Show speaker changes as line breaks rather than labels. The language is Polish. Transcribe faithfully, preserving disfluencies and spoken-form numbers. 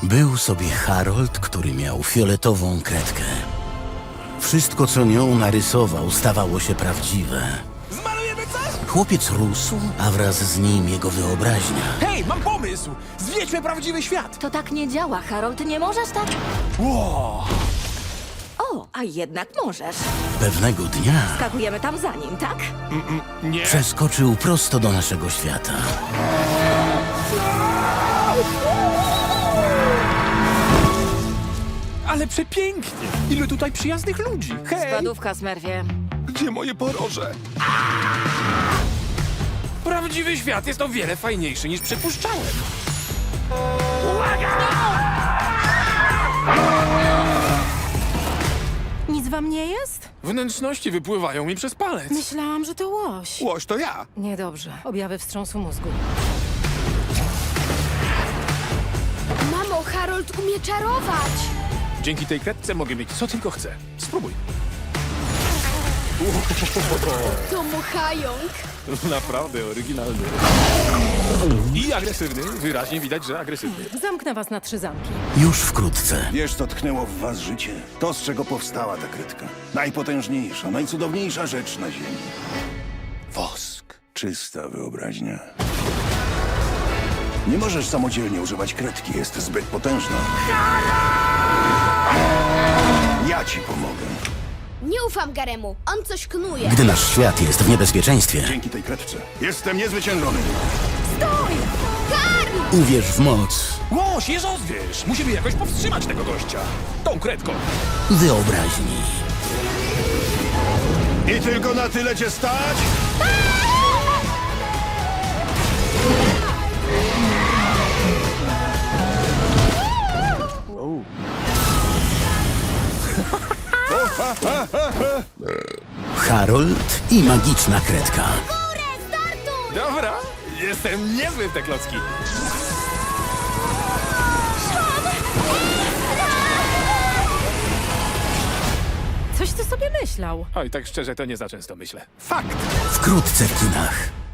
Był sobie Harold, który miał fioletową kredkę. Wszystko, co nią narysował, stawało się prawdziwe.
Zmalujemy coś?
Chłopiec rósł, a wraz z nim jego wyobraźnia.
Hej, mam pomysł! Zwiedźmy prawdziwy świat!
To tak nie działa, Harold. Nie możesz tak...
Wow.
O, a jednak możesz.
Pewnego dnia
Skakujemy tam za nim, tak?
Nie.
przeskoczył prosto do naszego świata.
Ale przepięknie! Ile tutaj przyjaznych ludzi! Hej!
Spadówka, Smerwie.
Gdzie moje poroże? Prawdziwy świat jest o wiele fajniejszy niż przypuszczałem.
Nic wam nie jest?
Wnętrzności wypływają mi przez palec.
Myślałam, że to łoś.
Łoś to ja.
Niedobrze. Objawy wstrząsu mózgu.
Mamo, Harold umie czarować!
Dzięki tej kredce mogę mieć co tylko chcę. Spróbuj.
To muchająk!
Naprawdę oryginalny. I agresywny. Wyraźnie widać, że agresywny.
Zamknę was na trzy zamki.
Już wkrótce
Wiesz, co tknęło w was życie? To, z czego powstała ta kredka. Najpotężniejsza, najcudowniejsza rzecz na ziemi.
Wosk.
Czysta wyobraźnia. Nie możesz samodzielnie używać kredki, jest zbyt potężna. Ja ci pomogę.
Nie ufam Garemu, on coś knuje.
gdy nasz świat jest w niebezpieczeństwie.
Dzięki tej kredce jestem niezwyciężony.
Uwierz w moc
Łoś, je rozwierz! Musimy jakoś powstrzymać tego gościa. Tą kredką.
wyobraźni.
I tylko na tyle cię stać?
Harold i magiczna kredka.
Dobra, jestem niezły w te klocki.
Coś ty sobie myślał.
Oj, tak szczerze, to nie za często myślę. Fakt!
Wkrótce w kinach.